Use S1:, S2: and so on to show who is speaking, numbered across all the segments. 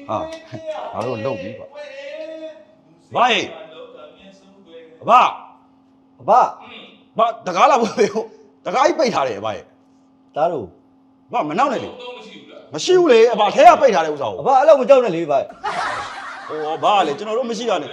S1: ငါတို့လုံပြီကွာဘာဟဲ့ဘာတကားလာဖို့တကားကြီးပိတ်ထားတယ်ဘာဟဲ့
S2: ဒါတို့
S1: ဘာမနောက်နဲ့လေမရှိဘူးလေအဘထဲကပိတ်ထားတဲ့ဥစ္စာကို
S2: အဘအဲ့လိုမကြောက်နဲ့လေဗျ
S1: ဟောဘာလေကျွန်တော်တို့မရှိတာနဲ့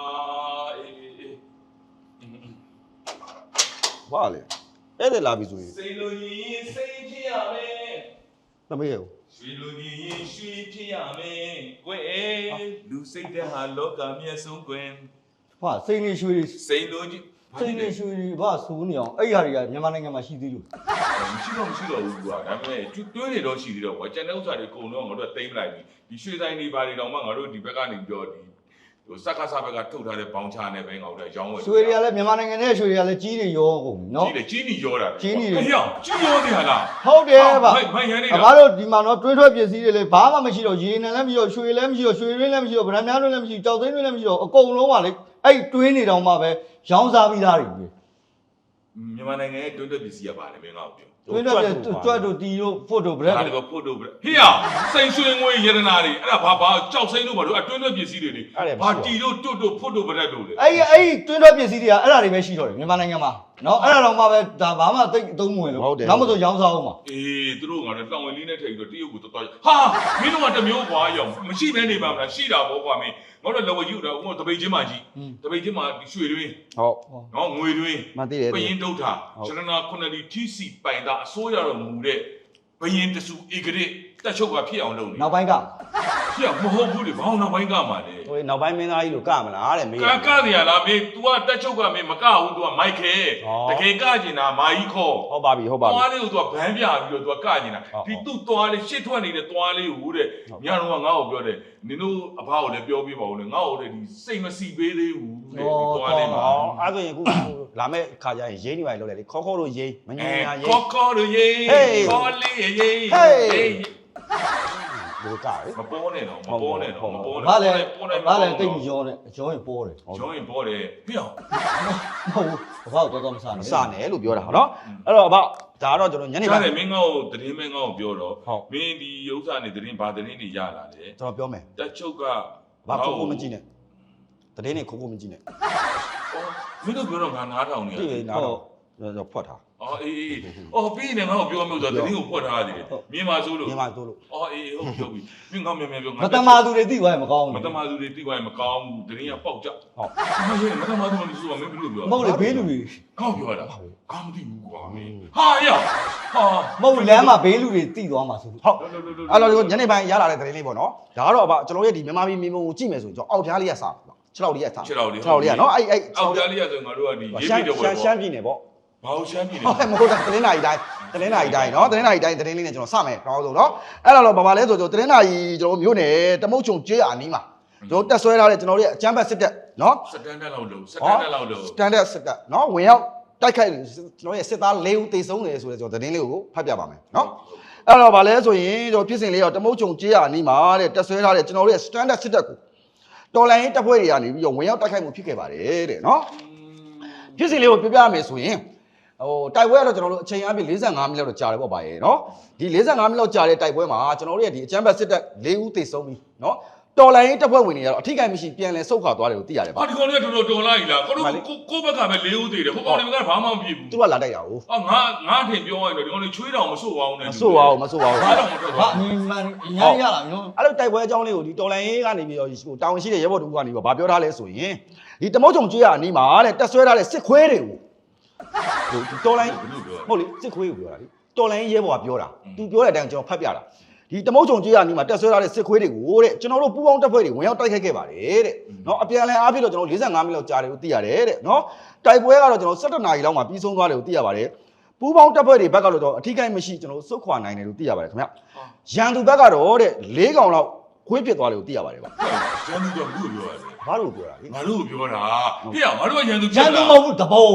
S1: ဘာလေအဲ့ဒါလာပြီဆိုရင်
S3: စိတ်လိုရင်စိတ်ဖြစ်ရမယ်
S1: သမီးရေ
S3: ရွှေလိုရင်ရွှေဖြစ်ရမယ်ကွယ်လူစိတ်တဲ့ဟာလောကမြတ်ဆုံးကွယ်
S2: ဟာစိတ်နေရွှေ
S3: စိတ်လိုကြီး
S2: စိတ်နေရွှေဘာစူးနေအောင်အဲ့ဟာတွေကမြန်မာနိုင်ငံမှာရှိသေးလို့
S3: မရှိတော့ဘူးကွာဒါပေမဲ့တွင်းနေတော့ရှိသေးတော့ကွာကျန်တဲ့ဥစ္စာတွေအကုန်လုံးငါတို့ကတိမ့်လိုက်ပြီဒီရွှေဆိုင်တွေဘာတွေတော့မှငါတို့ဒီဘက်ကနေပြောဒီဟိုစက္ကစဘက်ကထုတ်ထားတဲ့ဘောင်းချနဲ့ပဲငါတို့ရောင်းဝယ်
S2: ရွှေတွေကလည်းမြန်မာနိုင်ငံနဲ့ရွှေတွေကလည်းကြီးနေရောကုန်နော်
S3: ကြီးနေရောတာ
S2: ကြီးနေ
S3: တယ်ဟေ့ကြီးရောနေဟာလား
S2: ဟုတ်တယ်ဗျ
S3: မိုက်ရနေတာ
S2: အဘတို့ဒီမှာတော့တွင်းထွက်ပစ္စည်းတွေလည်းဘာမှမရှိတော့ရေနံလည်းမရှိတော့ရွှေလည်းမရှိတော့ရွှေရင်းလည်းမရှိတော့ဗရမ်းများလည်းမရှိကြောက်သိန်းလည်းမရှိတော့အကုန်လုံးပါလေအဲ့တွင်းနေတောင်မှပဲရောင်းစားပြီးသားတွေ
S3: မြန်မာနိုင်ငံရဲ့တွင်းထွက်ပစ္စည်းကပါတယ်မင်းငါ့ကို
S2: တွင်းထွက်ကျွတ်တို့တီတို့ဖို့တို့ဗရက်
S3: ဒါလည်းဖို့တို့ဗရက်ဟေ့စိန်ရွှေငွေရတနာတွေအဲ့ဒါဘာကြောက်စိမ့်တို့ဘာလို့အတွင်းထွက်ပစ္စည်းတွေဘာတီတို့တွတ်တို့ဖို့တို့ဗရက်တို့လေ
S2: အဲ့တွင်းထွက်ပစ္စည်းတွေကအဲ့ဒါတွေပဲရှိတော့တယ်မြန်မာနိုင်ငံမှာနော်အဲ့ဒါတော့မှပဲဒါဘာမှသိအသုံးမဝင်လို့နောက်မဆိုရောင်းစားအောင်ပါ
S3: အေးသူတို့ကလည်းတောင်ဝင်လေးနဲ့ထိတ်ပြီးတော့တရုတ်ကိုတော်ဟာမင်းတို့ကတမျိုးကွာရောင်မရှိဘဲနေပါမလားရှိတာဘောကွာမင်းငါတို့လော်ဝယူတော့ဟိုတပိတ်ချင်းမှကြီးတပိတ်ချင်းမှရွှေတွင်း
S1: ဟုတ်
S3: နော်ငွေတွင်း
S1: မသိတယ်
S3: ဘယင်းဒုထာရှရနာခုနှစ်ဒီတီစီပိုင်တာအစိုးရတော်မူတဲ့ဘယင်းတဆူဧကရစ်တက်ချုပ်ကဖြစ်အောင်လုပ်နေ
S2: နောက်ပိုင်းက
S3: ဖြစ်မဟုတ်ဘူးလေဘောင်းနောက်ပိုင်းကမှလေ
S1: ဟိုနောက်ပိုင်းမင်းသားကြီးလို့ကမလားတဲ့မင်း
S3: ကရလားမင်း तू ကတက်ချုပ်ကမင်းမကဘူး तू ကမိုက်ခဲတကယ်ကကျင်တာမာကြီးခေါ်
S1: ဟုတ်ပါပြီ
S3: သွားလေးကို तू ကဗန်းပြပြီးတော့ तू ကကျင်တာဒီသူ့သွားလေးရှစ်ထွက်နေတဲ့သွားလေးကိုတဲ့ညတော့ငါ့ကိုပြောတယ်နင်တို့အဖကိုလည်းပြောပြပါဦးလေငါ့ကိုလည်းဒီစိတ်မစီပေးသေးဘူးတဲ့ဒီသွားလေးမှာ
S1: အဲ့ဆိုရင်အခုလာမဲ့ခါကျရင်ရေးနေပါလေလို့လေခေါတို့ရေးမငြင်းရရေး
S3: ခေါတို့ရေးခေါလေးရေး
S1: ဟေးဒီကား
S3: မပေါ်နဲ့တော့မပေါ်နဲ့
S2: ဘာလဲတိတ်ရောနဲ့ရောရင်ပေါ်တယ်
S3: ရောရင်ပေါ်တယ်ဟေ့အောင်
S2: မဟုတ်ဘူးဘာတော့မစားနဲ့
S1: မစားနဲ့လို့ပြောတာနော်အဲ့တော့ဘာဒါတော့ကျွန်တော်ညနေ
S3: ပိုင်းမင်းငေါ့ကိုသတင်းမင်းငေါ့ကိုပြောတော့မင်းဒီဥစ္စာနေသတင်းဘာသတင်းတွေရလာလဲ
S1: ကျွန်တော်ပြောမယ်
S3: တက်ချုပ်က
S1: ဘာခိုးမကြည့်နဲ့သတင်းတွေခိုးမကြည့်နဲ့
S3: မင်းတို့ပြောတော့ငါနားထောင်နေ
S1: ရတယ်နားတော့ဖွက်ထား
S3: အော်အေးပြီးနေငါ့ကိုပြောမျိုးဆိုသတင်းကိုဖွက်ထားရတယ်မြင်ပါစိုးလို့အော်အေးဟုတ်ပြောပြီမင်းငေါ့မြန်ပြော
S2: ငါမတမာသူတွေသိသွားရင်မကောင်းဘူး
S3: မတမာသူတွေသိသွားရင်မကောင်းဘူးသတင်းကပေါက်ကြဟုတ်မင်းမတမာသူတွေဆိုတော့မင်းဘယ်လိုပြော
S2: မဟုတ်လေဘေးလူတွေ
S3: ငေါ့ပြောတာကောင်းမသိဘူးကွာမင်းဟာရ
S2: မဟုတ်လမ်းမှာဘေးလူတွေသိသွားမှာဆို
S1: လို့ဟုတ်အဲ့တော့ညနေပိုင်းရလာတဲ့သတင်းလေးပေါ့နော်ဒါကတော့ကျွန်တော်ရဲ့ဒီမြန်မာပြည်မြေပုံကိုကြည့်မယ်ဆိုရင်ကျွန်တော်အောက်ဖျားလေးကစား6လောက်လေးကစား
S3: 6လောက်လေး
S1: ကနော်အဲ့
S3: အောက်ဖျားလေးကဆိုငါတို့ကဒီရေးပြီးတော့
S1: ရှမ်းပြည်နယ်ပေါ့
S3: ဘာလို့ရှမ်းပြည်နယ်
S1: ဟုတ်မဟုတ်တာသတင်းနာရီတိုင်းနော်သတင်းနာရီတိုင်းသတင်းလေးနဲ့ကျွန်တော်စမယ်တော့ဆိုတော့အဲ့တော့ဘာလဲဆိုတော့သတင်းနာရီကျွန်တော်မျိုးနယ်တမုတ်ချုံကျေးအနီးမှာကျွန်တော်တက်ဆွဲထားတဲ့ကျွန်တော်တို့ရဲ့အချမ်းဘတ်စစ်တပ်နော်
S3: စတန်ဒတ်လောက်လို့စတန်ဒတ်
S1: စစ်တပ်နော်ဝင်ရောက်တိုက်ခိုက်ကျွန်တော်ရဲ့စစ်သား၄ဦးသေဆုံးတယ်ဆိုတဲ့ကျွန်တော်သတင်းလေးကိုဖတ်ပြပါမယ်နော်အဲ့တော့ဘာလဲဆိုရင်ကျွန်တော်ဖြစ်စဉ်လေးတော့တမုတ်ချုံကျေးအနီးမှာတဲ့တက်ဆွဲထားတဲ့ကျွန်တော်တို့ရဲ့စတန်ဒတ်စစ်တပ်ကိုတော်လိုင်းတပ်ဖွဲ့တွေကနေပြီးတော့ဝင်ရောက်တိုက်ခိုက်မှုဖြစ်ခဲ့ပါတယ်တဲ့နော်ဖြစ်စဉ်လေးကိုပြောပြရမယ်ဆိုရင်ဟိုတိုက်ပွဲကတော့ကျွန်တော်တို့အချိန်အပြည့်45မိနစ်လောက်တော့ကြာတယ်ပေါ့ဗျာရေနော်ဒီ45မိနစ်လောက်ကြာတဲ့တိုက်ပွဲမှာကျွန်တော်တို့ရဲ့ဒီအချမ်းဘတ်စစ်တပ်၄ဦးသေဆုံးပြီနော်တော်လိုင်းတပ်ဖွဲ့ဝင်တွေကတော့အထိကိမရှိပြန်လဲဆုတ်ခွာသွားတယ်လို့သိရတယ်ဗျာ
S3: ဒီကောင်တွေကတော်တော်လိုက်လားကိုတို့ကိုဘက်ကပဲ၄ဦးသေတယ်ဟိုကောင်တွေကဘာမှမဖြစ်ဘူး
S1: သူကလာတိုက်တာဟုတ်
S3: ငါထင်ပြောရရင်တော့ဒီကောင်တွေချွေးတောင်မဆို့ပါဘူးနဲ့
S1: မဆို့ပါဘူး
S3: ဘာတော့မထွက်
S2: ပါဘူးအများကြီးရလာပြီနော်
S1: အဲ့လိုတိုက်ပွဲအကြောင်းလေးကိုဒီတော်လိုင်းကနေပြီးတော့ဟိုတာဝန်ရှိတဲ့ရဲဘော်တို့ကနေပြီးတော့ဗာပြောထားလဲဆိုရင်ဒီတမုတ်ချုံကျွေးရအနီးမှာတဲ့တက်ဆွဲထားတဲ့စစ်ခွဲတွေကိုဟိုတော်လိုင်းဟုတ်လေစစ်ခွေးကိုပြောတာလေတော်လိုင်းရဲဘော်ကပြောတာသူပြောတဲ့အတိုင်းကျွန်တော်ဖတ်ပြတာဒီတမုတ်ချုံကြေးရနီးမှာတက်ဆွဲထားတဲ့စစ်ခွေးတွေကိုတဲ့ကျွန်တော်တို့ပူပေါင်းတပ်ဖွဲ့တွေဝင်ရောက်တိုက်ခိုက်ခဲ့ပါတယ်တဲ့နော်အပြန်လည်အားဖြင့်တော့ကျွန်တော်45မိနစ်လောက်ကြာတယ်လို့သိရတယ်တဲ့နော်တိုက်ပွဲကတော့ကျွန်တော်17နာရီလောက်မှာပြီးဆုံးသွားတယ်လို့သိရပါတယ်ပူပေါင်းတပ်ဖွဲ့တွေဘက်ကတော့ကျွန်တော်အထီးကိုင်းမရှိကျွန်တော်စုတ်ခွာနိုင်တယ်လို့သိရပါတယ်ခင်ဗျရန်သူဘက်ကတော့တဲ့4កောင်လောက်ခွေးဖြစ်သွားတယ်လို့သိရပါတယ်ဗျ
S3: ရန်သူကဘူးပြောရတယ်
S1: ဘာလို့ပြောတာလဲ
S3: ငါတို့ပြောတာဟေ့ငါတို့ကရန်သူ
S2: ဖြစ်တာရန်သူမဟုတ်ဘူးတဘုံ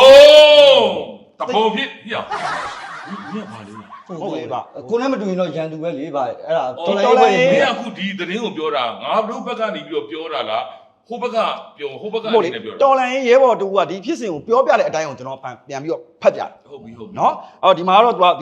S3: ဖြစ်ဟေ့မင်းပါလေ
S1: ဟုတ်လေဗျ
S2: ကိုလည်းမတူရင်တော့ရန်သူပဲလေဗျအဲ့ဒါ
S3: တော်လိုက်မင်းအခုဒီသတင်းကိုပြောတာငါတို့ဘက်ကနေပြီးတော့ပြောတာလားဟိုဘက်ကပြောဟိုဘက်ကနေပြော
S1: တော်လိုင်းရဲဘော်တူကဒီဖြစ်စဉ်ကိုပြောပြတဲ့အတိုင်းကိုကျွန်တော်ပြန်ပြီးတော့ဖတ်ပြတယ်
S3: ဟုတ်ပြီ
S1: နော်အော်ဒီမှာတော့သူကဒီလို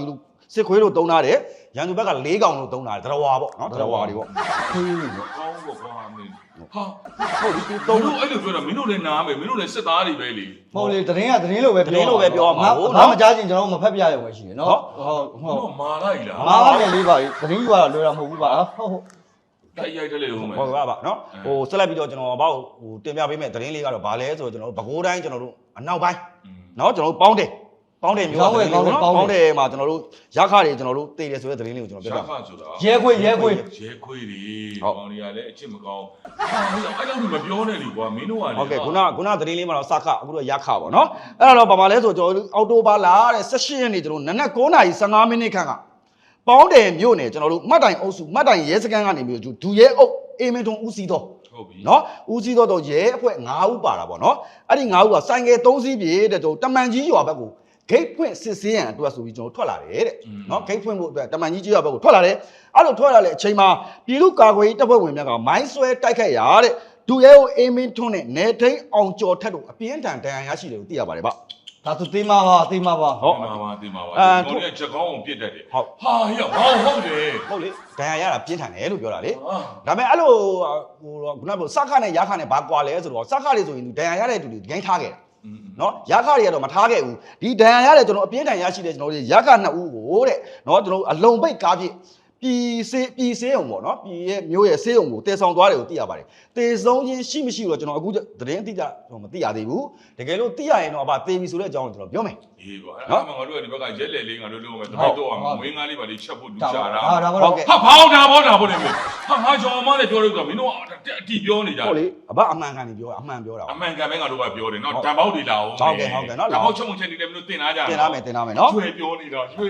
S1: စစ်ခွေးတို့တုံးထားတယ်ရန်သူဘက်က၄កောင်လို့တုံးထားတယ်တရဝါပေါ့နော်တရဝါတွေပေါ့
S2: ခွေးလို့
S3: ကောင်းပေါ့ကွာမင်းဟာဟုတ်ဒီတုံးလို့အဲ့လိုပြောတာမင်းတို့လည်းနားမယ်မင်းတို့လည်းစစ်သားတွေပဲလေ
S2: မဟုတ်လေသတင်းကသတင်းလို့ပဲပြောရမှာဘာမကြားချင်းကျွန်တော်မဖက်ပြရုံပဲရှိတယ်နော်ဟုတ်
S3: တော့မာလိုက်လား
S2: မာမယ်လေးပါသတင်းယူရတာလွယ်တာမဟုတ်ဘူးပါဟုတ်
S3: တိုက်ရိုက်တယ်လေဟုတ်မယ်
S1: ဟုတ်ကဲ့ပါနော်ဆက်လက်ပြီးတော့ကျွန်တော်ဘောက်တင်ပြပေးမယ်သတင်းလေးကတော့ဗာလဲဆိုတော့ကျွန်တော်တို့ပဲခူးတိုင်းကျွန်တော်တို့အနောက်ပိုင်းနော်ကျွန်တော်တို့ပေါင်းတယ်မျိုးပေါင်းတယ်မှာကျွန်တော်တို့ရခတွေကျွန်တော်တို့တည်တယ်ဆိုတဲ့သတင်းလေးကိုကျွန်တော်ပြော
S3: ရှာ
S1: ပြ
S3: ခဆိုတာ
S2: ရဲခွေရဲခွေ
S3: ရဲခွေတွေကောင်းတွေကလည်းအချစ်မကောင်းဟာအဲ့လိုမပြောနဲ့လေကွာမင်းတို့ကလေ
S1: ဟုတ်ကဲ့ခုနသတင်းလေးမှာတော့စခအခုတော့ရခပေါ့နော်အဲ့တော့ဗမာလဲဆိုကျွန်တော်တို့အော်တိုဘာလာတဲ့18ရက်နေ့ကျွန်တော်နနက်9:15မိနစ်ခန့်ကပေါင်းတယ်မြို့နယ်ကျွန်တော်တို့မှတ်တိုင်အုပ်စုမှတ်တိုင်ရဲစခန်းကနေပြီးဒူရဲအုပ်အေမင်ထုံဦးစီးတော့
S3: ဟုတ်ပြီ
S1: နော်ဦးစီးတော့ရဲအဖွဲ့9ဦးပါတာပေါ့နော်အဲ့ဒီ9ဦးကဆိုင်ကယ်3စီးပြေတဲ့ကျွန်တော်တမန်ကြီးရွာဘက်ကိုဂိတ်ဖွင့်စစ်ဆေးရန်အတွက်ဆိုပြီးကျွန်တော်ထွက်လာတယ်တဲ့နော်ဂိတ်ဖွင့်ဖို့အတွက်တမန်ကြီးကြီးရွာဘက်ကိုထွက်လာတယ်အဲ့လိုထွက်လာတဲ့အချိန်မှာပြည်သူ့ကာကွယ်ရေးတပ်ဖွဲ့ဝင်များကမိုင်းဆွဲတိုက်ခိုက်ရတဲ့ဒူရဲကိုအေမင်းထွန်းနဲ့နေထိန်အောင်ကျော်ထက်တို့အပြင်းထန်ဒဏ်ရာရရှိတယ်လို့သိရပါတယ်ဗျ
S2: ဒါသူသိမှာပါသိမှာပါ
S3: ဟုတ်တင်ပါပါကျွန်တော်လည်းချက်ကောင်းအောင်ပြစ်တတ်တယ်ဟာဟဲ့ဘာဟုတ်တယ်
S1: ဟုတ်လေဒဏ်ရာရတာပြင်းထန်တယ်လို့ပြောတာလေ
S3: ဟာ
S1: ဒါပေမဲ့အဲ့လိုဟိုခုနကစခနဲ့ရခနဲ့ဘာကွာလဲဆိုတော့စခတွေဆိုရင်ဒဏ်ရာရတဲ့တူတွေဂိမ်းထားခဲ့တာနော်ရခတွေကတော့မထားခဲ့ဘူးဒီဒဏ်ရာရတဲ့ကျွန်တော်အပြင်းထန်ရရှိတဲ့ကျွန်တော်တို့ရခ2ဦးကိုတဲ့နော်ကျွန်တော်အလုံပိတ်ကားပြည့်ပြည်စေးအောင်ပေါ့နော်ပြည်ရဲ့မျိုးရဲ့စေးအောင်ကိုတည်ဆောင်သွားတယ်ကိုသိရပါတယ်တည်ဆုံးချင်းရှိမရှိတော့ကျွန်တော်အခုသတင်းအတိအကျမသိရသေးဘူးတကယ်လို့သိရရင်တော့အဘသေပြီဆိုတဲ့အကြောင်းကိုကျွန်တော်ပြောမယ်
S3: အေးကွာအဲ့ဒါမှငါတို့ကဒီဘက်ကရဲလေလေးငါတို့လုပ်မယ်တပိတ်တော့မွေးငါလေးပါလေးချက်ဖို့လူချတာ
S2: ဒါပါ
S1: ဟုတ်ကဲ့
S3: ဟာဘောနေမင်းဟာငါကြောင်မလည်းပြောလို့ဆိုမင်းတို့အတီပြောနေကြ
S1: ဟုတ်လေအဘအမှန်ကန်နေပြောအမှန်ပြောတာ
S3: အမှန်ကန်ပဲငါတို့ကပြောတယ်နော်တံပေါက်တွေလာအောင်တံပေါက်ချက်မှုချက်နေတယ်မင်းတို့တင်လာကြ
S1: တင်လာမယ်နော်
S3: ကျွေးပြောနေတာသိ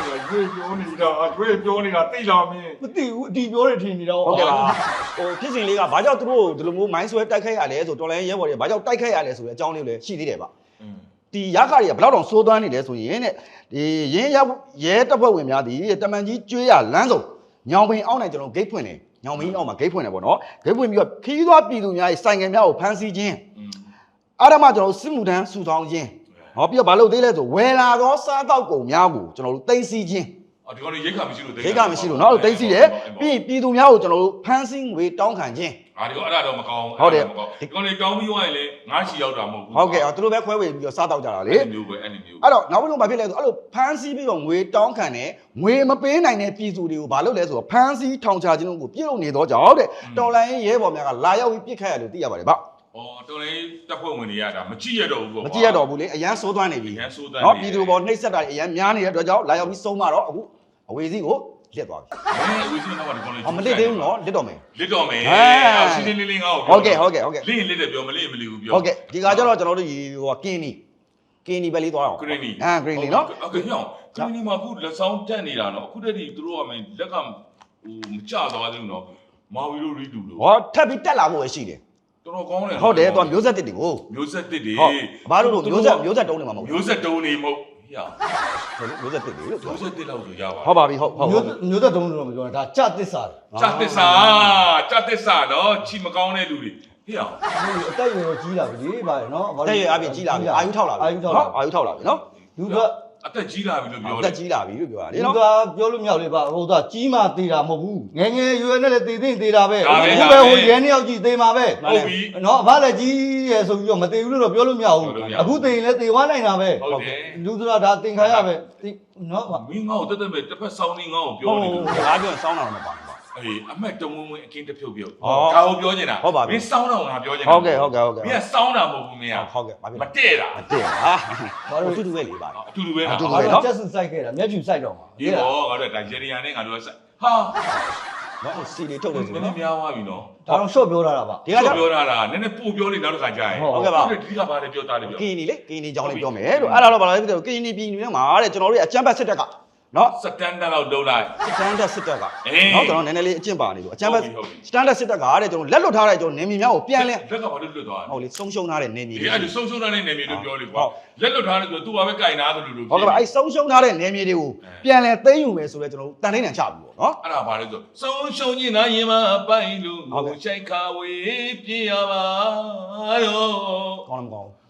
S3: လာမင်း
S2: မသိဘူးအတီပြောတယ်ထင်နေတော့
S1: ဟုတ်ကဲ့ပါဟိုဖြစ်စဉ်လေးကဘာကြောင့်သူတို့ဒီလိုမျိုးမိုင်းဆွဲတိုက်ခိုက်ရလဲဆိုတော်လိုင်းရဲဘော်တွေဘာကြောင့်တိုက်ခိုက်ရလဲဆိုတဲ့အကြောင်းလေးလည်းရှိသေးတယ်ဗျဒီရခတွေကဘယ်တော့စိုးသွမ်းနေလဲဆိုရင်တဲ့ဒီရင်းရဲတပ်ဖွဲ့ဝင်များဒီတမန်ကြီးကျွေးရလမ်းစုံညောင်ပင်အောက်နိုင်ကျွန်တော်ဂိတ်ဖွင့်တယ်ညောင်ပင်အောက်မှာဂိတ်ဖွင့်တယ်ပေါ့နော်ဂိတ်ဖွင့်ပြီးတော့ခီးသွားပြည်သူများရဲ့ဆိုင်ငယ်များကိုဖမ်းဆီးခြင်းအဲ့ဒါမှကျွန်တော်စစ်မှုထမ်းစုဆောင်ခြင်းဟောပြီးတော့ဘာလို့သေးလဲဆိုဝယ်လာသောစားတောက်ကုန်များကိုကျွန်တော်တို့သိမ်းဆည်းခြင်း
S3: ဒီကောင်ရိတ်ခါမရှိလို့
S1: ရိတ်ခါမရှိလို့เนาะသိသိတယ်ပြီးပြည်သူများကိုကျွန်တော်တို့ဖမ်းဆီးငွေတောင်းခံခြင်း
S3: ဒီကောင်အဲ့ဒါတော့မကောင်းဒီကောင်တွေတောင်းပြီးသွားရင်လေငါးချီရောက်တာမဟုတ်ဘူး
S1: ဟုတ်ကဲ့သူတို့ပဲခွဲဝေပြီးတော့စားတောက်ကြတာလေ
S3: အဲ့မျိုးပဲအဲ့မျိုး
S1: အဲ့တော့နောက်ဆုံးဘာဖြစ်လဲဆိုအဲ့လိုဖမ်းဆီးပြီးတော့ငွေတောင်းခံတယ်ငွေမပေးနိုင်တဲ့ပြည်သူတွေကိုဘာလုပ်လဲဆိုတော့ဖမ်းဆီးထောင်ချခြင်းတို့ကိုပြုလုပ်နေတော့ကြောင့်တဲ့တော်လိုင်းရဲဘော်များကလာရောက်ပြီးပြစ်ခတ်ရလို့သိရပါတယ်ဗျ
S3: တော်လေးတပ်ဖွဲ့ဝင်တွေရတာမကြည့်ရတော့ဘူးပေါ့
S1: မကြည့်ရတော့ဘူးလေအရန်စိုးသွမ်းနေပြီ
S3: ရန်ဆိုးတန်း
S1: เนาะပြည်သူပေါ်နှိပ်စက်တာအရန်များနေတဲ့အတွက်ကြောင့်လာရောက်ပြီးဆုံးမတော့အခုအဝေစီးကိုလစ်သွားပြီ
S3: ဝီစီနောက်ကဒီကောင်လေး
S1: မလစ်သေးဘူးเนาะလစ်တော့မယ်
S3: လစ်တော့မယ်စီးလေးလေးငါ့ကို
S1: ဟုတ်ကဲ့
S3: လင်းလစ်တယ်ပြောမလစ်မလစ်ဘူးပြော
S1: ဟုတ်ကဲ့ဒီကကျတော့ကျွန်တော်တို့ဒီဟိုကင်းနီပဲလေးသွားအောင်
S3: ဂရင်းနီ
S1: ဂရင်းနီเนาะ
S3: โอเคဟောဂရင်းနီမှာအခုလက်ဆောင်တက်နေတာเนาะအခုတည်းကသူတို့ကမင်းလက်ကဟိုမကြသွားသေးဘူးเนาะမာဝီတို့ရီတူလို့
S1: ဟောထပ်ပြီးတက်လာဖို့ပဲရှိတယ်
S3: တော်ကောင်းတယ်
S1: ဟုတ်တယ်သူကမျိုးဆက်တစ်တွေကို
S3: မျိုးဆက်တစ်တွေ
S1: ဟုတ်ဘာလို့လို့မျိုးဆက်တုံးနေမှာမဟုတ်ဘူး
S3: မျိုးဆက်တုံးနေမဟုတ်ဟေ့
S1: မျိုးဆက်တစ်တွေလို့
S3: မျိုးဆက်တစ်လောက်ဆိုရပါ
S1: ဟုတ်ပါပြီဟုတ်
S2: မျိုးသက်တုံးလို့မပြောတာဒါကြသစ္စာ
S3: ကြသစ္စာเนาะချီမကောင်းတဲ့လူတွေဟေ့
S2: အတက်ရွယ်ကြီးလာပြီဗါရနော်
S1: တဲ့ရအပြင်ကြီးလာပြီအာယူထောက်လာပြီနော်အာယူထောက်လာပြီနော်
S2: လူက
S3: အသက်ကြီးလာပြီလို့ပြော
S1: အ
S3: တ
S1: သက်
S3: ယ်
S1: ကြီးလာပြီလို့ပြောတာလေ
S2: လူ
S1: နော်
S2: ကပြောလို့မရလေပါဟိုကကြီးမှသေးတာမဟုတ်ဘူးငယ်ငယ်ရွယ်နဲ့လည်းသေးသေးတာပဲအခုပဲဟိုရဲနှစ်ယောက်ကြီးသေးမှာပဲ
S3: ဟုတ်ပြီ
S2: နော်အဖလည်းကြီးရယ်ဆိုပြီးတော့မသေးဘူးလို့တော့ပြောလို့မရဘူးအခုသေးရင်လည်းသေသွားနိုင်တာပဲ
S3: ဟုတ်တယ်
S2: လူဆိုတာဒါသင်္ခါရပဲနော်
S3: မင်းငါ့ကိုတက်တက်ပဲတစ်ဖက်ဆောင်းနေငါ့ကိုပြောနေတယ်
S1: စကားပြောရင်စောင်းတာတော့မပါဘူး
S3: အေးအမက်တဝင်းဝင်းအကင်းတစ်ဖြုတ်ပြုတ်
S1: ဟော
S3: ဒါကိုပြောနေတာ
S1: ဟုတ်ပါပြီ
S3: မင်းစောင်းတော့ငါပြောနေတာ
S1: ဟုတ်ကဲ့
S3: မင်းကစောင်းတာမဟုတ်ဘူးမင်းက
S1: ဟုတ်ကဲ့ဘာဖြစ်
S3: မ
S1: လဲ
S3: တည့်တာ
S1: တဲ့ဟာဘာလို့တူတူပဲလေပါ
S3: အတူတူပဲ
S1: အတူတူ
S3: နော်
S1: ပဲ
S2: ဘာလို့ကျက်စုစိုက်ခဲ့တာမျက်ဖြူစိုက်တော့မှာ
S3: ဒီတော့ငါတို့ဒါဂျယ်ရီယာနဲ့ငါတို့ကဆက်ဟာ
S1: နော်စီတွေထုတ်လို့ဆို
S3: နည်းန
S1: နော်
S3: ည်းများသွားပြီနော်
S2: ဒါတော့ short ပြောထားတာပါ
S1: ဒီကကြောင့်
S3: ပြောတာနည်းနည်းပို့ပြောနေနောက်တစ်ခါကြာရင်
S1: ဟုတ်ကဲ့ပါ
S3: ဒီကဘာလဲပြောတာလဲပြော
S1: ကင်းနီလေကင်းနီကြောင်းလေးပြောမယ်လို့အဲ့ဒါတော့ဘာလဲပြောကင်းနီပြည်နေမှာတဲ့ကျွန်တော်တို့ရဲ့အချမ်းဘတ်စစ်တက်ကနော်
S3: စတန်ဒတ်လောက်လုံးလိုက်
S1: စတန်ဒတ်စစ်တက်က
S3: အေး
S1: နော်ကျွန်တော်နည်းနည်းလေးအကျင့်ပါနေလို့အချမ်းဘတ်
S3: ဟုတ်ပြီ
S1: စတန်ဒတ်စစ်တက်ကတဲ့ကျွန်တော်လက်လွတ်ထားတဲ့ကျွန်တော်နေမြေများကိုပြန်လဲ
S3: လက်ကဘာလို့လွတ်သွား
S1: ဟုတ်လေဆုံးရှုံးထားတဲ့နေမြေ
S3: ဒီအဲ့ဒီဆုံးရှုံးတဲ့နေမြေလို့ပြောလေကွာလက်လွတ်ထားတယ်ဆိုသူ့ဘာပဲကြိုင်နာတယ်လို့
S1: ဟုတ်ကဲ့အဲ့ဆုံးရှုံးထားတဲ့နေမြေတွေကိုပြန်လဲသိမ်းယူမယ်ဆိုတော့ကျွန်တော်တန်တိုင်းတန်ချပြီပေါ့နော်
S3: အဲ့ဒါဘာလဲဆိုဆုံးရှုံးခြင်းနာရင်မပိုင်လို့ငိုရှိုက်ခါဝေးပြေးရပါတော့
S1: ကောင်းလားမကောင်း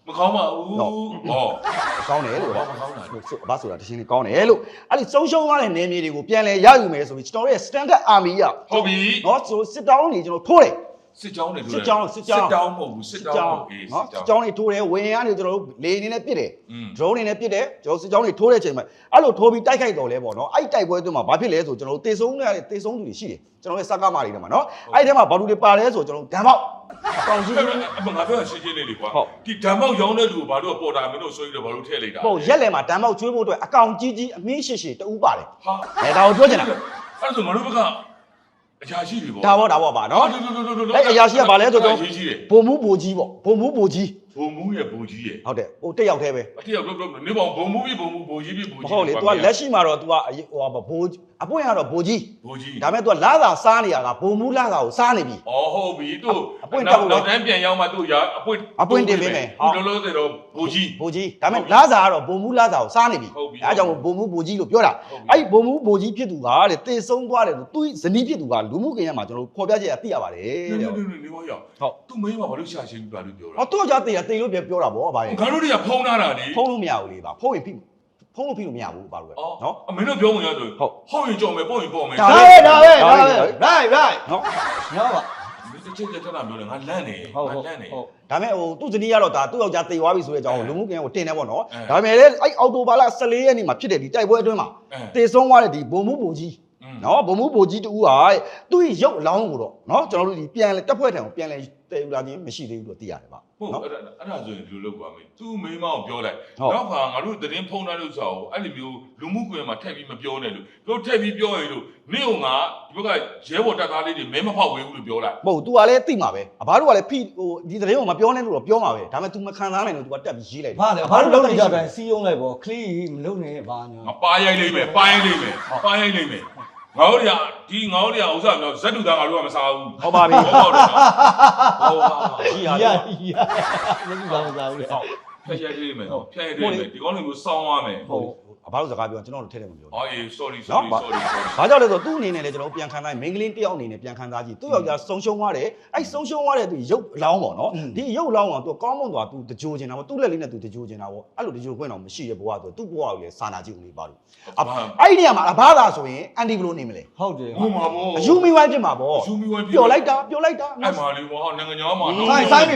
S3: မကောင်းပါဘူးဟော
S1: ကောင်းတယ်လို့
S3: ဘာမကောင်းတာ
S1: ဘာဆိုတာတရှင်းလေးကောင်းတယ်လို့အဲ့ဒီဆုံးရှုံးသွားတဲ့နေမြေတွေကိုပြန်လဲရယူမယ်ဆိုပြီးကျွန်တော်တို့ရဲ့ standard army က
S3: ဟုတ်ပြီ
S1: နော်ဆိုစစ်တောင်းတွေကျွန်တော်ထိုးတယ်
S3: စစ်ကြောင်းတွေ
S1: စစ်ကြောင်း
S3: မဟုတ်ဘူးစစ်တောင်းဟုတ်ပြီ
S1: နော်စစ်ကြောင်းတွေထိုးတယ်ဝင်းရကနေကျွန်တော်တို့လေအနေနဲ့ပစ်တယ် drone အနေနဲ့ပစ်တယ်ကျွန်တော်စစ်ကြောင်းတွေထိုးတဲ့အချိန်မှာအဲ့လိုထိုးပြီးတိုက်ခိုက်တော်လဲပေါ့နော်အဲ့တိုက်ပွဲအတွင်းမှာဘာဖြစ်လဲဆိုကျွန်တော်တို့တေဆုံးတဲ့တေဆုံးသူတွေရှိတယ်ကျွန်တော်ရဲ့စကားမာတွေထဲမှာနော်အဲ့ဒီထဲမှာဘာလူတွေပါလဲဆိုကျွန်တော်တို့ဓာတ်ပေါက်ကောင်းကြီး
S3: ငါပြောရှင်းရှင်းလေးလေကွာဒီဓာတ်မောက်ရောင်းတဲ့လူကိုဘာလို့ပေါ်တာမင်းတို့ဆိုပြီးတော့ဘာလို့ထည့်လိုက်တာ
S1: ဟုတ်ရက်လဲမှာဓာတ်ပေါက်ကျွေးဖို့အတွက်အကောင်ကြီးကြီးအမင်းရှိရှိတူပါတယ်
S3: ဟာ
S1: ဒါကိုပြောချင်တာ
S3: အဲ့ဒါဆိုငါတို့ဘက်ကအရာရှိတွေပေါ့
S1: ဒါပေါ့ပါနော်အဲ့အရာရှိကဘာလဲဆိုတော့ဘုံမူဘိုကြီးပေါ့ဘုံမူဘိုကြီး
S3: ဘုံမူရဲ့ဘိုကြီးရဲ့
S1: ဟုတ်တယ်ဟိုတက်ရောက်သေးပဲ
S3: အတိရောက်နေပေါ့ဘုံမူပြီးဘုံမူဘိုကြီးပြီးဘိုကြီး
S1: ဟုတ်လေ तू ကလက်ရှိမှာတော့ तू ကဟိုဘိုးအပွင့်ကတော့ဘိုကြီး
S3: ဘိုကြီး
S1: ဒါပေမဲ့ तू ကလာသာစားနေရတာဘုံမူလာသာကိုစားနေပြီ
S3: อ๋อဟုတ်ပြီသူနောက်တန်းပြန်ရောက်မှသူရအပွင့်တင်ပေးမယ်လောလောဆယ်တော့ဘိုကြီး
S1: ဘိုကြီးဒါပေမဲ့လာသာကတော့ဘုံမူလာသာကိုစားနေပြီအဲအကြောင်းဘုံမူဘိုကြီးလို့ပြောတာအဲ့ဒီဘုံမူဘိုကြီးဖြစ်သူကတဲ့တေဆုံးသွားတယ်သူဇနီးဖြစ်သူကလူမှုကွန်ရက်မှာကျွန်တော်တို့ဖော်ပြချက်ရသိရပါတယ်တဲ့
S3: နေပါရောက်ဟုတ်သူမင်းကဘာလို့ရှာရှင်းပြီးဘာလို့ပြောတာ
S1: ဟောသူကကြာတေးလို့ပြောတာဗောဗာရဲ့
S3: ငါတို့တွေကဖုံးထားတာလေ
S1: ဖုံးလို့မရဘူးလေဗာဖုံးရင်ဖိဖုံးလို့ဖိလို့မရဘူးဗာလို့ပဲနော်
S3: အမင်းတို့ပြောဝင်ရဆိုဟုတ်ရင်ကြော်မယ်ပေါ့ရင်ပေါ့မယ်
S2: ဒါပဲ right နော်ပါ
S3: တစ်ချက်ချက်ထတာပြောတယ်ငါလန့်နေငါလန့်နေ
S1: ဒါပေမဲ့ဟိုသူ့ဇနီးကတော့ဒါသူ့ယောက်ျားတေသွားပြီဆိုတဲ့အကြောင်းကိုလူမှုကွန်ရက်ကိုတင်တယ်ပေါ့နော်ဒါပေမဲ့လည်းအဲ့အော်တိုဘာလ14ရက်နေ့မှာဖြစ်တဲ့ဒီတိုက်ပွဲအတွင်းမှာတေဆုံးသွားတဲ့ဒီဘုံမှုဘုံကြီးနော်ဘုံမှုဘုံကြီးတူကသူ့ရုပ်အလောင်းကိုတော့နော်ကျွန်တော်တို့ဒီပြန်လဲတက်ဖွဲ့ထံကိုပြန်လဲတေယူလာခြင်းမရှိသေးဘူးလို့သိရတယ်ဗျ
S3: ဟုတ်အဲ့ဒါဆိုရင်ဒီလိုလုပ်ပါမယ်သူ့မိမကိုပြောလိုက်နောက်ခါငါတို့သတင်းဖုံးထားလို့ဆိုတော့အဲ့လိုမျိုးလူမှုကွန်ရက်မှာထည့်ပြီးမပြောနဲ့လို့ပြောထည့်ပြီးပြောရင်လို့နေ့ကငါဒီဘက်ကရဲဘော်တပ်သားလေးတွေမဲမဖောက်ဝေးဘူးလို့ပြောလိုက်
S1: မဟုတ် तू ကလည်းသိမှာပဲအဘတို့ကလည်းဖိဟိုဒီသတင်းကိုမပြောနဲ့လို့တော့ပြောမှာပဲဒါပေမဲ့ तू မခံစားနိုင်လို့ तू ကတက်ပြီးရေးလိုက်
S2: ဘာလဲဘာလို့လုံးနေကြတယ်စီးအောင်လိုက်ပေါ့ခလီမလုံးနဲ့ဘာညာ
S3: ငါပါရိုက်လိမ့်မယ်ပါရိုက်လိမ့်မယ်ပါရိုက်လိမ့်မယ်ငါတို့တွေကဒီငါတို့တွေကဥစ္စာမျိုးဇက်တူသားငါတို့ကမစားဘူး
S1: ဟုတ်ပါပြီ
S3: ဟုတ်တယ်ဟုတ်ပါ
S1: ကြီးဟာ
S2: ရမကြည့်ပါမစားဘူးလေ
S3: ဖျက်ရိုက်လိမ့်မယ်ဖျက်ရိုက်လိမ့်မယ်ဒီကောင်းလေးမျိုးစောင်းရမယ်
S1: ဟုတ်အဘတို့စကားပြောကျွန်တော်တို့ထဲထဲမပြော
S3: အော်အေး sorry
S1: ဘာကြောင့်လဲဆိုတော့သူ့အနေနဲ့လည်းကျွန်တော်ပြန်ခံစားမင်းကလေးတယောက်အနေနဲ့ပြန်ခံစားကြည့်သူ့ယောက်ျားဆုံးရှုံးသွားတယ်အဲ့ဆုံးရှုံးသွားတဲ့သူရုပ်အလောင်းပေါ့နော်ဒီရုပ်အလောင်းကသူကောင်းမွန်သွားသူတကြိုချင်တာပေါ့သူ့လက်လေးနဲ့သူတကြိုချင်တာပေါ့အဲ့လိုတကြိုခွင့်တော့မရှိရဲ့ဘဝဆိုသူ့ဘဝကိုလည်းစာနာကြည့်ဦးလေးပါလို့အဲ့ဒီနေရာမှာအဘသာဆိုရင်အန်တီဘလို့နေမလဲ
S2: ဟုတ်တယ်
S3: ဟုတ်မှာပေါ့
S1: အယူမီဝိုင်းဖြစ်မှာပေါ့ပျော်လိုက်တာ
S3: အဲ့မှာလေဘောနိုင်ငံကျော်မှာဟာဟဲ့မရမ်း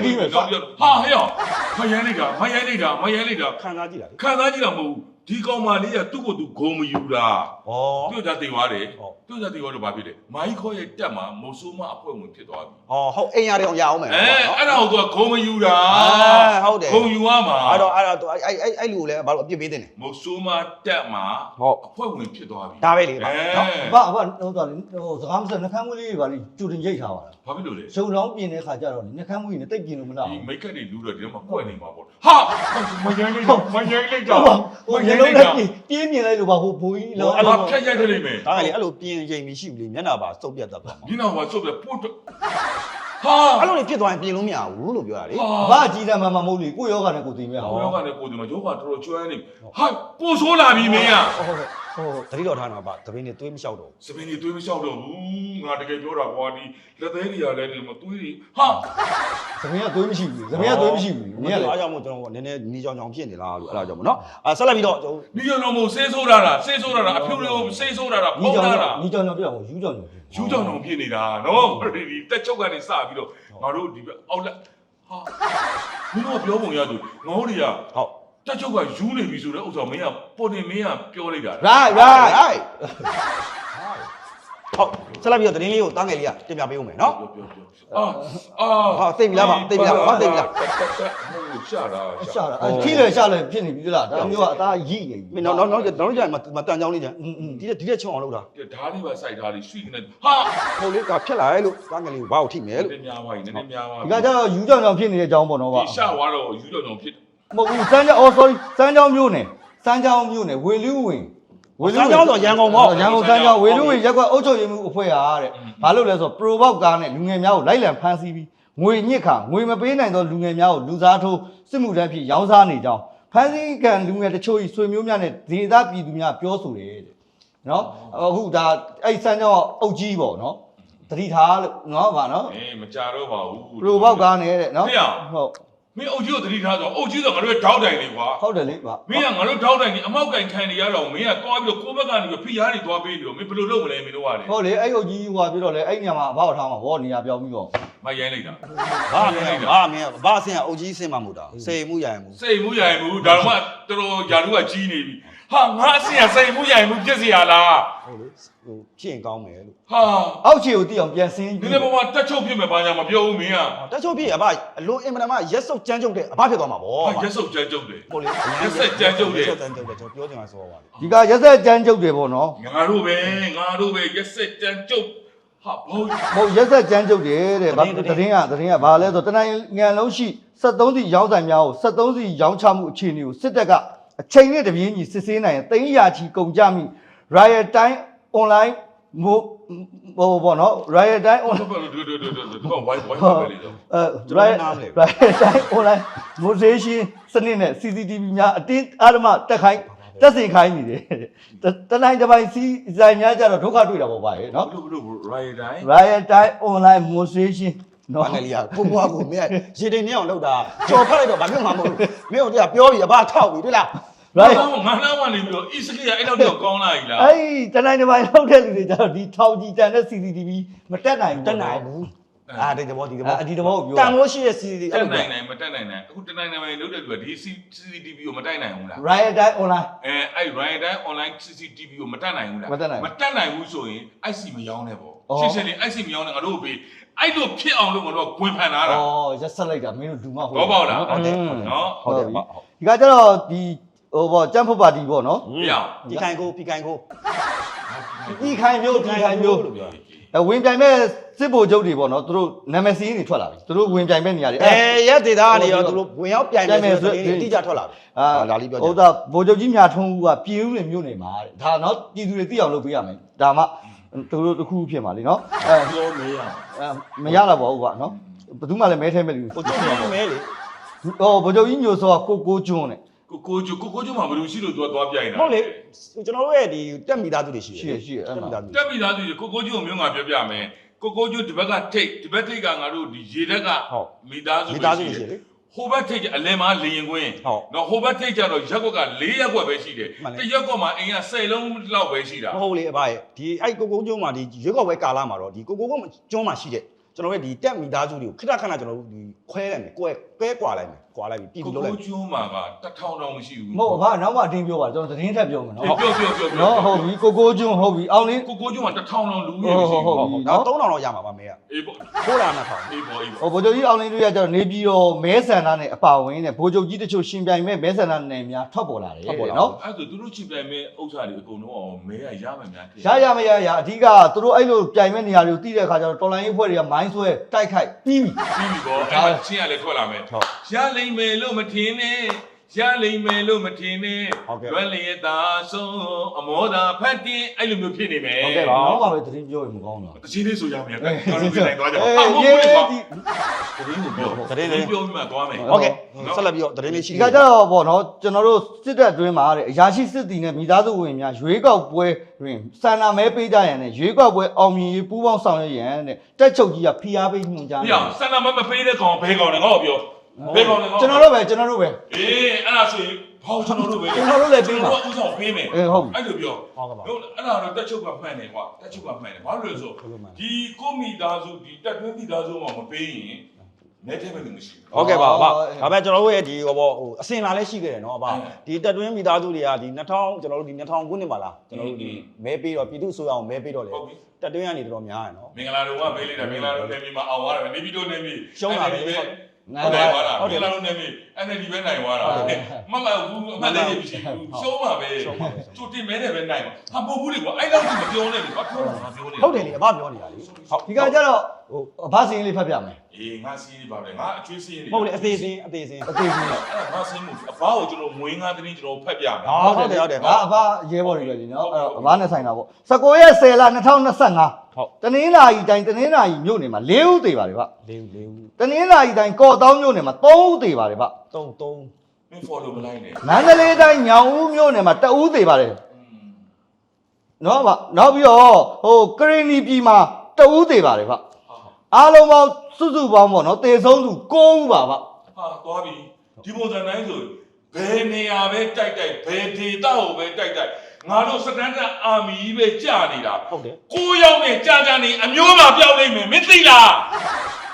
S3: လိုက်တာ
S1: ခံစားကြည့်တာလေ
S3: ခံစားကြည့်တာမဟုတ်ဒီကောင်မလေးကသူ့ကိုယ်သူဂုံမယူတာ
S1: ဩ
S3: သူ့ကြသိသွားတယ်သူ့ကြသိသွားတော့ဘာဖြစ်လဲမိုင်းခေါ်ရဲ့တက်မှာမိုးဆိုးမအဖွဲ့ဝင်ဖြစ်သွားပြီ
S1: ဩဟုတ်အိမ်ရတယ်အောင်ရအောင်မယ်
S3: အဲ့ဒါကိုသူကဂုံမယူတာ
S1: ဟုတ်တယ်
S3: ဂုံယူရမှာ
S1: အဲ့တော့အဲ့လူကိုလည်းဘာလို့အပြစ်ပေးတင်လဲ
S3: မိုးဆိုးမတက်မှာ
S1: ဟုတ်
S3: အဖွဲ့ဝင်ဖြစ်သွားပြီ
S1: ဒါပဲလေနော်
S2: ဘာဟိုတော့စကားမစနှခမ်းမွေးလေးပါလိကျူတင်ရိတ်ထားပါလား
S3: ဘာဖြစ်လို့လဲ
S2: ရှုံလောင်းပြင်တဲ့ခါကျတော့နှခမ်းမွေးနဲ့တိတ်ပြင်လို့မလား
S3: ဒီမိတ်ကပ်တွေလူတော့ဒီတော့မှကွက်နေမှာပေါ့ဟာမယိုင်းလိုက်တော့မယိုင်းလိုက်တော့
S2: ဟိုမျိုးလုံးနဲ့ပြင်းမြင်လိုက်လို့ပါဟိုဘိုးကြီးလော
S3: အဲ့ဒါဖြတ်ရိုက်တယ်လိမ့်မယ်
S1: ဒါကလေအဲ့လိုပြင်ရင်မရှိဘူးလေမျက်နှာပါစုပ်ပြတ်တတ်သွားမှာ
S3: ဒီနောက်မှာစုပ်ပြပို့ဟာ
S1: အဲ့လိုနေဖြစ်သွားရင်ပြင်လို့မရဘူးလို့ပြောတာလေ
S2: ဘာအကြီးတန်းမှမဟုတ်လေကိုယောဂနဲ့ကိုသိမြတ်
S3: ဟောယောဂနဲ့ကိုဒီမှာယောဂတော်တော်ကျွမ်းနေဟာပို့ဆိုးလာပြီမင်းอ่ะ
S1: တတိတော်ထားမှာပါတပင်းနေသွေးမလျှောက်တော့
S3: စပင်းကြီးသွေးမလျှောက်တော့ဘူးငါတကယ်ပြောတာကွာဒီလက်သေးတွေကလည်းဒီမှာသွေးတွေဟာ
S2: သမီးကသွေးမရှိဘူးသမီးကသွေးမရှိဘူး
S1: နည်းလေအားကြောင့်မို့ကျွန်တော်နည်းနည်းနီးကြောင်ဖြစ်နေလားလို့အဲ့ဒါကြောင့်မို့နော်ဆက်လိုက်ပြီးတော့ကျွန်တော်
S3: ဒီရောမို့ဆေးဆိုးတာလားဆေးဆိုးတာလားအဖြူတွေကိုဆေးဆိုးတာလားဖုံးတာလား
S2: ညီကြောင်ပြောယူကြောင်
S3: ယူကြောင်အောင်ဖြစ်နေတာနော်ဒီတက်ချုပ်ကနေစပြီးတော့ငါတို့ဒီအောက်လက်ဟာမင်းတို့ပြောပုံရသူငေါတွေက
S1: ဟုတ်
S3: တက်ချုပ်ကယူနေပြီဆိုတော့ဥစ္စာမင်းကပေါ်တင်မင်းကပြောလိုက်တာ
S2: right
S1: ဟုတ်ဆက်လိုက်ပြီးတော့တင်းလေးကိုတားငယ်လေးကတင်ပြပေးဦးမယ်နော်
S3: အာ
S1: ဟာသိပြီလားဗျသိပြီလားဘာသိပြီလား
S3: ရှာတာ
S2: ရှာတာခီးလေရှာလေဖြစ်နေပြီလားဒါမျိုးကအသားရိနေပြီ
S1: မင်းနောက်ကြရင်မတန်ကြောင်းလေးကြဒီတဲ့ချုံအောင်လုပ်တာ
S3: ဓာတ်လေးပါစိုက်ထားလေးရွှေနေဟာ
S1: ဟုတ်လေကဖြစ်လာရဲ့လို့တားငယ်လေးကိုဘာကိုထိမယ်လို့
S3: နည်းများပါနည်းများပါ
S2: ဒီကကျတော့ယူကြောင်ဖြစ်နေတဲ့အကြောင်းပေါ့နော်ဗျ
S3: ဒီရှာသွားတော့ယူကြောင်ဖြစ်
S2: မဟုတ်ဘူးစမ်းကြောင် sorry စမ်းကြောင်မျိုးနဲ့စမ်းကြောင်မျိုးနဲ့ဝေလူဝင်
S1: စမ်းကြောင်းဆိုရန်ကုန်ပေါ့
S2: ရန်ကုန်စမ်းကြောင်ဝေလူဝင်ရက်ကွက်အုပ်ချုပ်ရေးမှုအဖွဲ့ဟာတဲ့ဘာလို့လဲဆိုတော့ pro box ကားနဲ့လူငယ်များကိုလိုက်လံဖမ်းဆီးပြီးငွေညစ်ခါငွေမပေးနိုင်သောလူငယ်များကိုလူစားထိုးစစ်မှုထမ်းဖြစ်ရောင်းစားနေကြောင်းဖမ်းဆီးကံလူငယ်တချို့ဤဆွေမျိုးများနဲ့ဒေသပြည်သူများပြောဆိုတယ်တဲ့နော်အခုဒါအဲ့စမ်းကြောင်အုပ်ကြီးပေါ့နော်တတိထားလို့နော်ဗာနော်
S3: မကြတော့ပါဘူး
S2: pro box ကားနဲ့တဲ့နော်ဟုတ်
S3: မင်းအုပ်ကြီးကိုတတိထားဆိုအုပ်ကြီးဆိုငါတို့ထောက်တိုင်နေကွာ
S2: ဟုတ်တယ်လေဗျ
S3: မင်းကငါတို့ထောက်တိုင်နေအမောက်ကင်ခံနေရတော့မင်းကသွားပြီးတော့ကိုယ့်ဘက်ကနေပြီးဖိရားနေသွားပေးနေတော့မင်းဘယ်လိုလုပ်မလဲမင်းတို့ကလေ
S2: ဟုတ်လေအဲ့ဟုတ်ကြီးဟိုပြတော့လေအဲ့ညမှာအဘောက်ထားမှာဘောနေရာပြောင်းပြီးတော့
S3: မရိုင်းလိုက်တာ
S1: ဘာမင်းဘာမင်းဘာအဆင်အုပ်ကြီးအဆင်မှမဟုတ်တာစေမှုရရင်မှု
S3: စိတ်မှုရိုင်မှုဒါတော့မှတော်တော်ယာလူကကြီးနေပြီဟာငါအစင်စိတ်မှုရိုင်မှုပြည့်စရာလား
S1: ဟုတ်လေဟိုဖြစ်ရင်ကောင်းမယ်လို့
S3: ဟာ
S2: အောက်ခြေကိုတိအောင်ပြန်ဆင်း
S3: ဒီနေ့ဘဝတက်ချုပ်ဖြစ်မယ်ဘာညာမပြောဘူးမင်းက
S1: တက်ချုပ်ပြည့်အဘအလွန်အင်မတန်မှရက်စုပ်ကြမ်းကြုတ်တဲ့အဘဖြစ်သွားမှာဗော
S3: ဟာရက်စုပ်ကြမ်းကြုတ်တယ်
S1: ဟုတ်လေ
S3: ရက်ဆက်ကြမ်းကြုတ်တယ်
S1: ရက်ဆက်ကြမ်းကြုတ်တယ်ကျွန်တော်ပြောချင်တာဆိုပါလေ
S2: ဒီကရက်ဆက်ကြမ်းကြုတ်တယ်ပေါ့နော်
S3: ငါတို့ပဲရက်ဆက်ကြမ်းကြုတ်ဟာဘော
S2: မဟုတ်ရက်ဆက်ကြမ်းကြုတ်တယ်တဲ့ဗာသတင်းကဘာလဲဆိုတနင်္ဂနွေလုံးရှိ73စီရောင်းဆိုင်များကို73စီရောင်းချမှုအခြေအနေကိုစစ်တပ်ကအချိန်နဲ့တပြေးညီစစ်ဆေးနိုင်ရင်သိန်းရာချီကုန်ကြမိ Riot Time Online မို့ဟိုပေါ့နော် Riot Time
S3: ဘာ
S2: Online
S3: လို့ဒီဝိုင်းပဲလေတော့
S2: Riot Time Online Motivation စနစ်နဲ့ CCTV များအတင်းအဓမ္မတက်ခိုင်းတက်စင်ခိုင်းနေတယ်တနိုင်တစ်ပိုင်းစီဆိုင်များကြတော့ဒုက္ခတွေ့တာပေါ့ဗျာနော်
S3: ဘလို့ riot time
S2: Riot Time Online Motivation နော်
S1: ဘာငယ်လေးကကိုဘွားကိုမင်းရေတိန်နေအောင်လုပ်တာကြော်ဖက်လိုက်တော့ဘာဖြစ်မှာမဟုတ်ဘူးမင်းတို့ကပြောပြီးအဘထောက်ပြီးတွေ့လား
S2: Right
S3: ငါနားကနေပြီးတော့ e skill အဲ့တော့တော့ကောင်းလာပြီလား
S2: အဲ့တနိုင်တစ်ပိုင်းလောက်တဲ့လူတွေကြတော့ဒီထောင်ကြီးတန်တဲ့ CCTV မတက်နိုင်ဘူး
S1: တက်နိုင်ဘူးအာဒီတဘောဒီတဘော
S2: ဒီတဘောကိုပြော
S1: တန်လို့ရှိရဲ့ CCTV
S3: တက်နိုင်မတက်နိုင်အခုတနိုင်နိုင်လို့တဲ့လူကဒီ CCTV ကိုမတိုက်နိုင်ဘူးလား
S2: Riot Time Online
S3: အဲ့ riot time online CCTV ကိုမတက်နိုင်ဘူးလား
S2: မတက်နိုင်ဘူး
S3: ဘူးဆိုရင် IC မရောင်းနဲ့ပေါ့
S2: အော်
S3: ရှင်းရှင်းလေး IC မရောင်းနဲ့ငါတို့ပေးအဲ့လိုဖြစ်အောင်လို့ငါတို့ကဝင်ဖန်ထားတာ
S2: ဩရက်ဆက်လိုက်တာမင်းတို့ဒူမဟုတ်
S3: ဘောပေါက်လား
S1: ဟုတ်တယ်
S3: နော်
S1: ဟုတ်တယ်
S2: ဒီကကြတော့ဒီဟိုပေါ့ကြမ်းဖုတ်ပါတီပေါ့နော်
S3: ပြအောင်
S1: ဒီခိုင်ကိုပြီးခိုင်ကို
S2: ဒီခိုင်မျိုး
S1: လို့ပြော
S2: ဝင်ပြိုင်မဲ့စစ်ဗိုလ်ချုပ်တွေပေါ့နော်သူတို့နာမည်စီးတွေထွက်လာပြီသူတို့ဝင်ပြိုင်မဲ့နေရာတွေ
S1: ရက်ဒေတာကနေရောသူတို့ဝင်ရောက်ပြိုင်မယ်ဆိုတဲ့အတိအကျထွက်လာပြီဒါလေးပြော
S2: ဟုတ်တာဗိုလ်ချုပ်ကြီးမြာထုံးဦးကပြည်ဦးတွေမြို့နေမှာတဲ့ဒါနော်ပြည်သူတွေသိအောင်လုပ်ပေးရမယ်ဒါမှသူတို့တစ်ခုဖြစ်မှာလीနော်
S3: ပြောမေးရ
S2: မရတော့ပါဘူးကွာနော်ဘယ်သူမှလည်းမဲထဲမဲ့လူ
S1: ကိုကျုံနေမဲလေ
S2: ဟိုဗိုလ်ချုပ်ကြီးညိုစောကကိုကျွန်းတဲ့
S3: ကိုကျမှာဘယ်လိုရှိလို့သွားပြိုင်တာ
S1: ဟုတ်လေကျွန်တော်တို့ရဲ့ဒီတက်မိသားစုတွေရှိတယ်
S2: ရှိအဲ့မှာ
S3: တက်ပြီးသားသူကိုကျကိုမျိုးငါပြောပြမယ်ကိုကျဒီဘက်ကထိတ်ဒီဘက်ထိတ်ကငါတို့ဒီရေတက်ကမိသားစု
S1: မိသားစုရှိတယ်လေ
S3: ဟိုဘက်ထိတ်ကအလဲမှာလေရင်ကွင်း
S1: ဟုတ်
S3: နော်ဟိုဘက်ထိတ်ကျတော့ရက်ကွက်က4ရက်ကွက်ပဲရှိတယ်တရက်ကွက်မှာအိမ်က10လုံးလောက်ပဲရှိတာ
S1: မဟုတ်လေအဘရဲ့ဒီအဲ့ကိုကုန်းကျွန်းမှာဒီရွေးကောက်ပွဲကာလမှာတော့ဒီကိုကုန်းကျွန်းမှာရှိတဲ့ကျွန်တော်ရဲ့ဒီတက်မိသားစုတွေကိုခဏခဏကျွန်တော်တို့ဒီခွဲလိုက်မယ်ကွဲကွာလိုက်မယ်ကွာလိုက်ပြီးပြည်
S3: ကို
S1: ပြီးလုပ်လိုက်
S3: ကျိုးမှာက1000တောင်မရှိဘူး
S2: မဟုတ်ဘာနောက်မှအတင်းပြောပါကျွန်တော်သတင်းထပ်ပြောမယ်နော်
S3: ပြော
S2: နော်ဟုတ်ပြီကိုကျွန်းဟုတ်ပြီအောင်လေး
S3: ကိုကျိုးမှာ1000တောင်လူရမရှိ
S2: ဟုတ်
S3: ဘူး
S2: ပြီ
S1: တော့3000တော့ရမှာပါမေက
S3: အေးပေါ့
S1: ခိုးလာနှစ်ထောင်
S3: အေးပေါ့
S2: ဟိုဗိုလ်ချုပ်ကြီးအောင်လေးတို့ရကျတော့နေပြည်တော်မဲဆန္ဒနဲ့အပါဝင်နဲ့ဗိုလ်ချုပ်ကြီးတချို့ရှင်ပြိုင်မဲ့မဲဆန္ဒနယ်များထွက်ပေါ်လာတယ်နော်
S3: အဲ့ဒါသူတို့ချစ်ပြိုင်မဲ့ဥစ္စာတွေအကုန်လုံးအောင်မဲရမယ်များတယ်
S2: ရမရအဓိကသူတို့အဲ့လိုပြိုင်မဲ့နေရာတွေကိုတီးတဲ့အခါကျတော့တော်လိုင်းရေးဖွဲ့တွေကမိုင်းဆွဲတိုက်ခိုက်ပြီးပြီ
S3: ပြီးပြီပေါ့အဲ့ဒါချင်းရလဲထွက်လာမယ်ရလိမ့်မယ်လို့မထင်နဲ့ရလိမ့်မယ်လို့မထင်နဲ့လွယ်လျက်သာဆုံးအမောသာဖတ်တင်အဲ့လိုမျိုးဖြစ်နေမယ်
S2: နောက်မှပဲသတင်းပြောရင်မကောင်းတော့
S3: တချင်းလေးဆိုရမယ်ကျွန်တော်ပြင်နိုင်သွားကြအောင်ဟုတ်ဘူးလေကွာသတင်းကိုပြောပြောပြီးမှသွားမယ်
S1: โอเคဆက်လက်ပြီးတော့သတင်းလေးရှိ
S2: ဒီကကြတော့ပေါ့နော်ကျွန်တော်တို့စစ်တပ်အတွင်းမှာတဲ့အရာရှိစစ်တီနဲ့မိသားစုဝင်များရွေးကောက်ပွဲတွင်စန္ဒမဲပေးကြရန်နဲ့ရွေးကောက်ပွဲအောင်မြင်ရေးပူးပေါင်းဆောင်ရွက်ရန်တဲ့တက်ချုပ်ကြီးကဖိအားပေးညွှန်ကြား
S3: ပြအောင်စန္ဒမမပေးတဲ့ကောင်ဘဲကောင်လည်းငါ့ကိုပြောဘဲကောင်လည်းငါ့ကို
S2: ကျွန်တော်တို့ပဲအေး
S3: အဲ့ဒါဆိုရင်ဘောကျွန်တော်တို့ပဲ
S2: ကျွန်တော်တို့လည်းပေးပါ
S3: ဥဆောင်ပေးမယ်
S2: အေးဟုတ်ပြီ
S3: အဲ့လိုပြော
S1: ဟုတ်ကဲ့ပါ
S3: ဟုတ်အဲ့ဒါတော့တက်ချုပ်ကမှန်တယ်ကွာတက်ချုပ်ကမှန်တယ်ဘာလို့လဲဆိုဒီကိုမိသားစုဒီတက်တွင်းမိသားစုမှာမပေးရင်နေတယ်ပဲလို့မရှိဘူး
S1: โอเคပါအဘဒါပေမဲ့ကျွန်တော်တို့ရဲ့ဒီဟိုပေါ့ဟိုအစင်လာလည်းရှိခဲ့တယ်เนาะအဘဒီတက်တွင်းမိသားစုတွေကဒီ2000ကျွန်တော်တို့ဒီ2000ခုနှစ်ပါလားကျွန်တော်တို့ဒီမဲပေးတော့ပြည်သူ့ဆိုရအောင်မဲပေးတော့လေတက်တွင်းကနေတော်တော်များတယ်เนาะ
S3: မင်္ဂလာတော်ကပေးလိုက်တာမင်္ဂလာတော်နေပြီးမှအောင်သွားတယ်နေပြီးတော့နေပြီး
S1: ရှုံးတာပဲ
S3: ဟုတ်တယ်ပါလားမင်္ဂလာတော်နေပြီးအဲ့ဒီပဲနိုင်သွားတာမမဘူးအမှန်တည်းမရှိဘူးရှုံးပါပဲသူတင်မဲတယ်ပဲနိုင်ပါဟာမဟုတ်ဘူးလေကွာအဲ့လောက်ကြီးမပြောနဲ့လေကွာပြောတာမပြောနဲ့
S1: ဟုတ်တယ်လေအဘပြောနေတာလေဟုတ်
S2: ဒီကကြတော့ဟိုအဘစင်းလေးဖတ်ပြမယ်
S3: အေးငါစီးနေပါပဲငါအကျွေးစီးနေ
S1: မဟုတ်လေအသေးစင်း
S2: အသေးကြီး
S3: အဲ့ဒါငါစီးမှုအဖေါကိုကျွန်တော်မွေးငါသတင်းကျွန်တော်ဖတ်ပြမယ်
S1: ဟုတ်တယ်ဟုတ်တယ်
S2: ငါအဘရဲဘော်တွေပဲဒီနော်အဲ့တော့အဘနဲ့ဆိုင်တာပေါ့19ရက်10လ2025
S1: ဟုတ်
S2: တနင်္လာရီတိုင်းတနင်္လာရီမြို့နယ်မှာ4ဦးသေးပါတယ်ဗျ
S1: လေးဦး
S2: တနင်္လာရီတိုင်းကော့တောင်းမြို့နယ်မှာ3ဦးသေးပါတယ်ဗျ
S1: 3
S3: မင်း follow မလိုက်နဲ့
S2: မန္တလေးတိုင်းညောင်ဦးမြို့နယ်မှာ2ဦးသေးပါတယ်နော်ဗျနောက်ပြီးတော့ဟိုကရင်နီပြည်မှာ2ဦးသေးပါတယ်ဗျအားလုံးပေါင်းစုစုပေါင်းပေါ့နော်တေဆုံးသူ9ဦးပါဗျ
S3: ဟာသွားပြီဒီပုံစံတိုင်းဆိုဘယ်နေရာပဲတိုက်တိုက်ဘယ်ဒေသကိုပဲတိုက်တိုက်ငါတို့စတန်ဒတ်အာမီပဲကြာနေတာ
S1: ဟုတ်တယ်
S3: 9 ယောက်နဲ့ကြာကြာနေအမျိုးမှာပြောင်းနေမယ်မသိလား